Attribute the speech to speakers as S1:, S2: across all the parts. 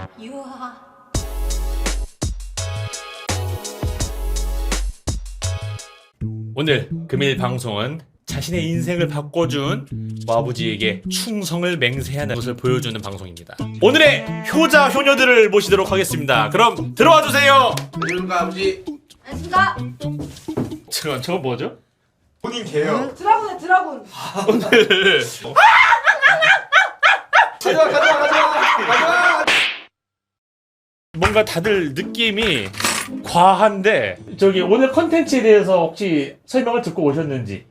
S1: 유하.
S2: 오늘 금일 방송은 자신의 인생을 바꿔준 아버지에게 충성을 맹세하는 것을 보여주는 방송입니다. 오늘의 효자 효녀들을 모시도록 하겠습니다. 그럼 들어와 주세요.
S3: 안녕하십니까 아버지.
S1: 안녕하십니까.
S2: 저거 뭐죠?
S3: 본인 개요.
S1: 드라군의 드라군.
S2: 오늘
S3: 가져와.
S2: 뭔가 다들 느낌이 과한데 저기 오늘 컨텐츠에 대해서 혹시 설명을 듣고 오셨는지,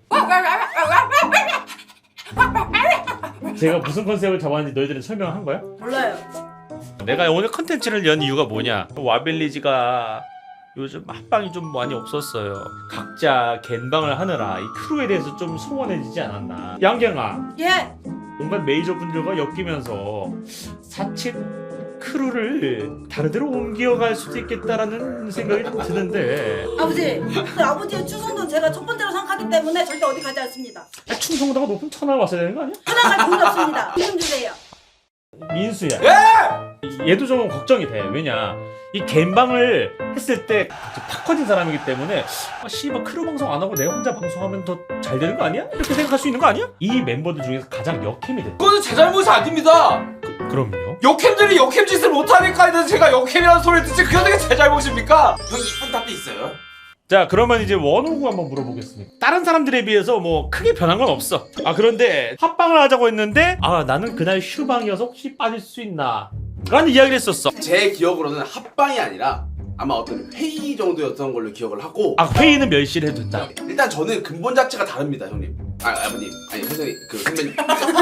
S2: 제가 무슨 컨셉을 잡았는지 너희들은 설명한 거야?
S1: 몰라요.
S2: 내가 오늘 컨텐츠를 연 이유가 뭐냐, 와빌리지가 요즘 합방이 좀 많이 없었어요. 각자 갠방을 하느라 이 크루에 대해서 좀 소원해지지 않았나. 양갱아,
S1: 예.
S2: 온갖 메이저 분들과 엮이면서 사측 크루를 다른 데로 옮겨갈 수도 있겠다라는 생각이 좀 드는데,
S1: 아버지, 그 아버지의 추성도는 제가 첫 번째로 생각하기 때문에 절대 어디 가지 않습니다.
S2: 충성도가 높은 천하가 왔어야 되는 거 아니야?
S1: 하나갈 돈이 없습니다. 돈 주세요.
S2: 민수야,
S3: 예!
S2: 얘도 좀 걱정이 돼. 왜냐, 이 갬방을 했을 때 팍 커진 사람이기 때문에 씨발 크루 방송 안 하고 내가 혼자 방송하면 더 잘 되는 거 아니야? 이렇게 생각할 수 있는 거 아니야? 이 멤버들 중에서 가장 역캠이 됐다.
S3: 그거는 제 잘못이 아닙니다.
S2: 그럼요.
S3: 역캠들이 역캠 짓을 못하니까 해서 제가 역캠이라는 소리를 듣지, 그게 어떻게 제 잘못입니까? 형 이쁜 답도 있어요.
S2: 자, 그러면 이제 원호구 한번 물어보겠습니다. 다른 사람들에 비해서 뭐 크게 변한 건 없어. 그런데 합방을 하자고 했는데 나는 그날 휴방이어서 혹시 빠질 수 있나 라는 이야기를 했었어.
S4: 제 기억으로는 합방이 아니라 아마 어떤 회의 정도였던 걸로 기억을 하고,
S2: 회의는 멸시를 해도 된다.
S4: 일단 저는 근본 자체가 다릅니다, 형님. 아버님, 아니 선생님, 그 선배님.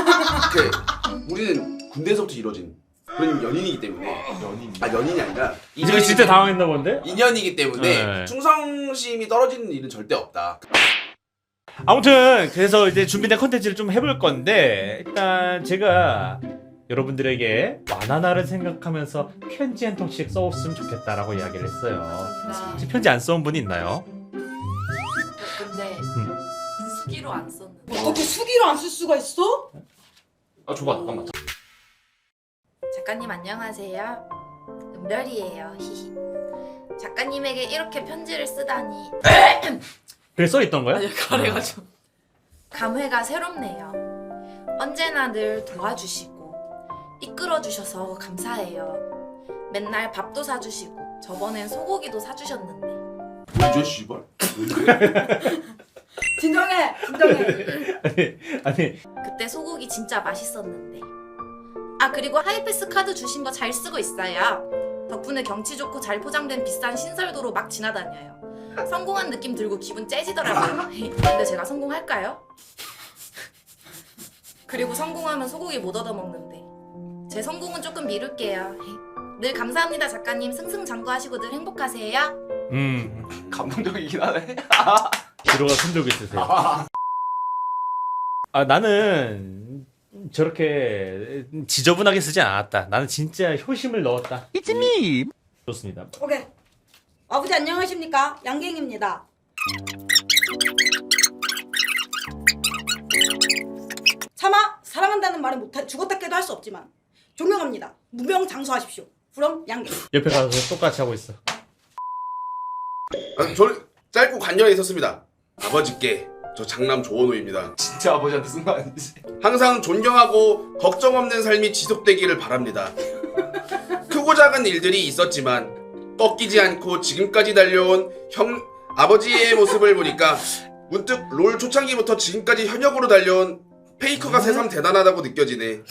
S4: 우리는 군대에서부터 이루어진 그런 연인이기 때문에. 연인이 아니라
S2: 지금 진짜 당황했나 본데?
S4: 인연이기 때문에
S2: 네.
S4: 충성심이 떨어지는 일은 절대 없다.
S2: 아무튼 그래서 이제 준비된 컨텐츠를 좀 해볼 건데, 일단 제가 여러분들에게 와나나를 생각하면서 편지 한 통씩 써왔으면 좋겠다라고 이야기를 했어요. 혹시 편지 안 써온 분이 있나요?
S5: 근데 수기로 안 썼는데.
S1: 어떻게 수기로 안 쓸 수가 있어?
S2: 줘봐, 잠깐만.
S5: 작가님 안녕하세요. 은별이에요. 히히. 작가님에게 이렇게 편지를 쓰다니
S2: 그래 써있던 거야?
S5: 아니요, 가래가지고 감회가 새롭네요. 언제나 늘 도와주시고 이끌어주셔서 감사해요. 맨날 밥도 사주시고 저번엔 소고기도 사주셨는데.
S4: 뭐죠, 씨발?
S1: 진정해.
S2: 아니
S5: 그때 소고기 진짜 맛있었는데. 그리고 하이패스 카드 주신 거 잘 쓰고 있어요. 덕분에 경치 좋고 잘 포장된 비싼 신설도로 막 지나다녀요. 성공한 느낌 들고 기분 째지더라고요. 근데 제가 성공할까요? 그리고 성공하면 소고기 못 얻어먹는데. 제 성공은 조금 미룰게요. 늘 감사합니다, 작가님. 승승장구하시고 늘 행복하세요.
S3: 감동적이긴 하네.
S2: 뒤로가 손들고 있으세요. 나는 저렇게 지저분하게 쓰지 않았다. 나는 진짜 효심을 넣었다. It's me. 좋습니다.
S1: 오케이. 아버지 안녕하십니까? 양갱입니다. 차마 사랑한다는 말은 못해 죽었다 깨도 할 수 없지만 존경합니다. 무명장수하십시오. 그럼 양갱.
S2: 옆에 가서 똑같이 하고 있어.
S4: 저는 짧고 간절하게 썼습니다. 아버지께 저 장남 조원호입니다.
S3: 진짜 아버지한테 쓴 거 아니지?
S4: 항상 존경하고 걱정 없는 삶이 지속되기를 바랍니다. 크고 작은 일들이 있었지만 꺾이지 않고 지금까지 달려온 아버지의 모습을 보니까 문득 롤 초창기부터 지금까지 현역으로 달려온 페이커가 세상 대단하다고 느껴지네.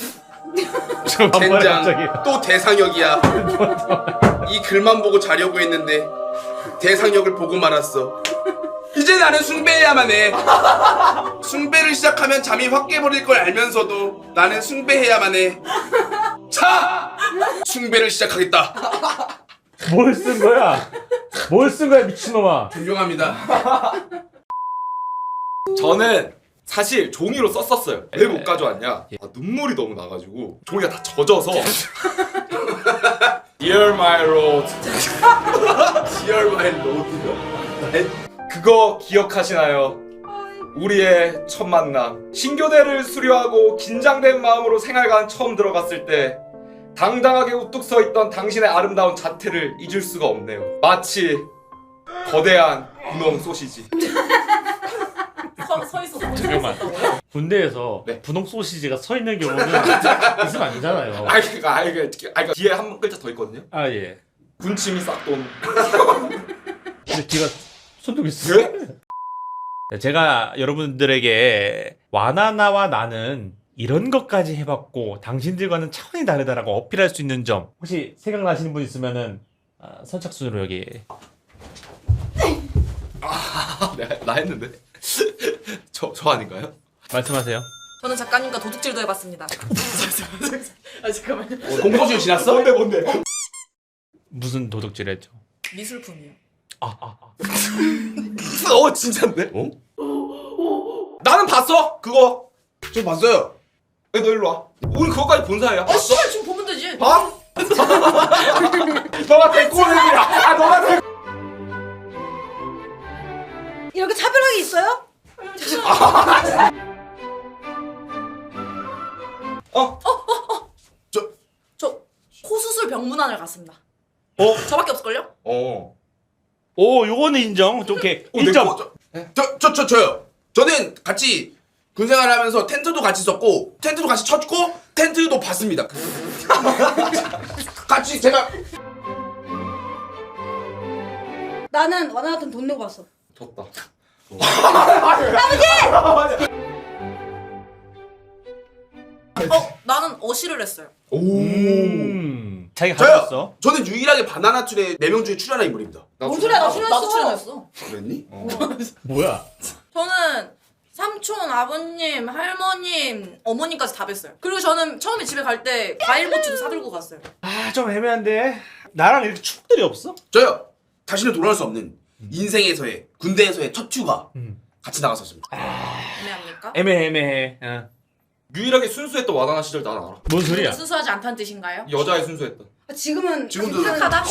S4: 젠장, 또 대상역이야. 이 글만 보고 자려고 했는데 대상역을 보고 말았어. 이제 나는 숭배해야만 해. 숭배를 시작하면 잠이 확 깨버릴 걸 알면서도 나는 숭배해야만 해. 자! 숭배를 시작하겠다.
S2: 뭘 쓴 거야? 뭘 쓴 거야, 미친놈아?
S4: 존경합니다.
S3: 저는 사실 종이로 썼었어요. 왜 못 가져왔냐? 눈물이 너무 나가지고 종이가 다 젖어서 Dear my road.
S4: Dear my lord.
S3: 그거 기억하시나요? 우리의 첫 만남. 신교대를 수료하고 긴장된 마음으로 생활관 처음 들어갔을 때 당당하게 우뚝 서 있던 당신의 아름다운 자태를 잊을 수가 없네요. 마치 거대한 분홍 소시지.
S5: 서 있어서
S2: 잠깐만. 군대에서
S3: 네.
S2: 분홍 소시지가 서 있는 경우는 있으면 안 되잖아요.
S3: 그러니까 뒤에 한 글자 더 있거든요.
S2: 아 예.
S3: 군침이 싹 도는.
S2: 근데 뒤가 손톱 있어요. 네, 제가 여러분들에게 와나나와 나는 이런 것까지 해봤고 당신들과는 차원이 다르다라고 어필할 수 있는 점 혹시 생각나시는 분 있으면은 선착순으로 여기.
S3: 나 했는데. 저 아닌가요?
S2: 말씀하세요.
S5: 저는 작가님과 도둑질도 해봤습니다. 아 잠깐만요.
S4: 공소시효 지났어?
S3: 뭔데?
S2: 무슨 도둑질했죠?
S5: 미술품이요.
S3: 진짠데? 나는 봤어 그거.
S4: 저 봤어요.
S3: 너 일로 와. 우리 그거까지 본 사이야.
S5: 아 씨발 지금 보면 되지.
S3: 봐? 너가 대꾸는이야. 너가 대.
S1: 이렇게 차별하게 있어요?
S5: 저 코수술 병문안을 갔습니다.
S2: 어?
S5: 저밖에 없을걸요?
S2: 오, 요거는 인정. 좀 이렇게 1점.
S4: 저요. 저는 같이 군생활 하면서 텐트도 같이 썼고 텐트도 같이 쳤고 텐트도 봤습니다. 같이 제가
S1: 나는 와나나한테 돈 내고 봤어.
S3: 졌다.
S5: 나는 어시를 했어요.
S2: 자기가
S4: 저요.
S2: 가졌어.
S4: 저는 유일하게 바나나 툴의 4명 중에 출연한 인물입니다.
S1: 뭔 소리야? 나
S5: 나도
S1: 출연했어.
S5: 출연했어.
S4: 그랬니?
S2: 뭐야?
S5: 저는 삼촌, 아버님, 할머님, 어머님까지 다 뵀어요. 그리고 저는 처음에 집에 갈 때 과일 모찌도 사들고 갔어요.
S2: 아, 좀 애매한데. 나랑 이렇게 추억들이 없어?
S4: 저요. 다시는 돌아올 수 없는 인생에서의 군대에서의 첫 휴가 같이 나갔었습니다.
S5: 애매합니까?
S2: 애매해.
S3: 유일하게 순수했던 와나나 시절 난 알아.
S2: 뭔 소리야?
S5: 순수하지 않다는 뜻인가요?
S3: 여자애 순수했던.
S1: 지금은
S4: 지금도
S5: 착하다?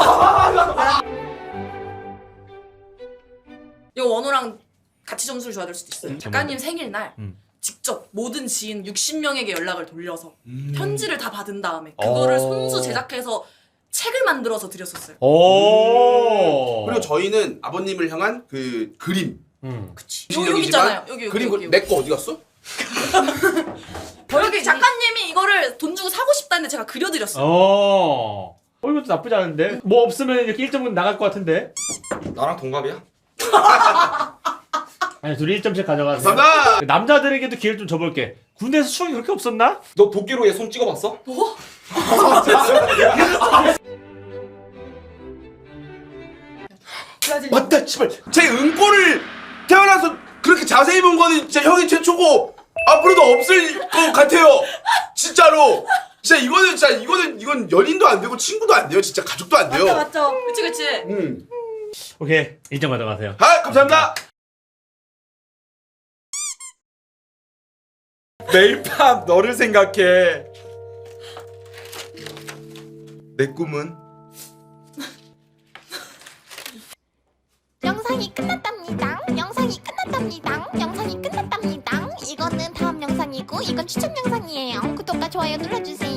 S5: 이거 원호랑 같이 점수를 줘야 될 수도 있어요. 작가님 생일날 직접 모든 지인 60명에게 연락을 돌려서 편지를 다 받은 다음에 그거를 손수 제작해서 책을 만들어서 드렸었어요.
S2: 오.
S4: 그리고 저희는 아버님을 향한 그 그림.
S5: 그치. 여기 있잖아요. 여기
S4: 그림 내 거 어디 갔어?
S5: 여기 작가님이 이거를 돈 주고 사고 싶다는데 제가 그려드렸어요.
S2: 이것도 나쁘지 않은데? 뭐 없으면 이렇게 1점은 나갈 것 같은데?
S3: 나랑 동갑이야?
S2: 아니, 둘이 1점씩 가져가세요.
S4: 감사합니다.
S2: 남자들에게도 기회를 좀 줘볼게. 군대에서 추억이 그렇게 없었나?
S3: 너 도끼로 얘 손 찍어봤어?
S5: 뭐?
S1: 브라질.
S4: 맞다, 씨발. 제 은꼬를 태어나서 그렇게 자세히 본 거는 진짜 형이 최초고 앞으로도 없을 것 같아요. 진짜로. 진짜 이건 연인도 안 되고 친구도 안 돼요. 진짜 가족도 안 돼요.
S1: 맞죠.
S5: 그치.
S2: 오케이. 1점 가져가세요.
S4: 아, 감사합니다.
S3: 매일 밤 너를 생각해. 내 꿈은
S6: 영상이 끝났답니다. 영상이 끝났답니다. 영상이 끝났답니다. 이거는 다음 영상이고 이건 추천 영상이에요. 구독과 좋아요 눌러주세요.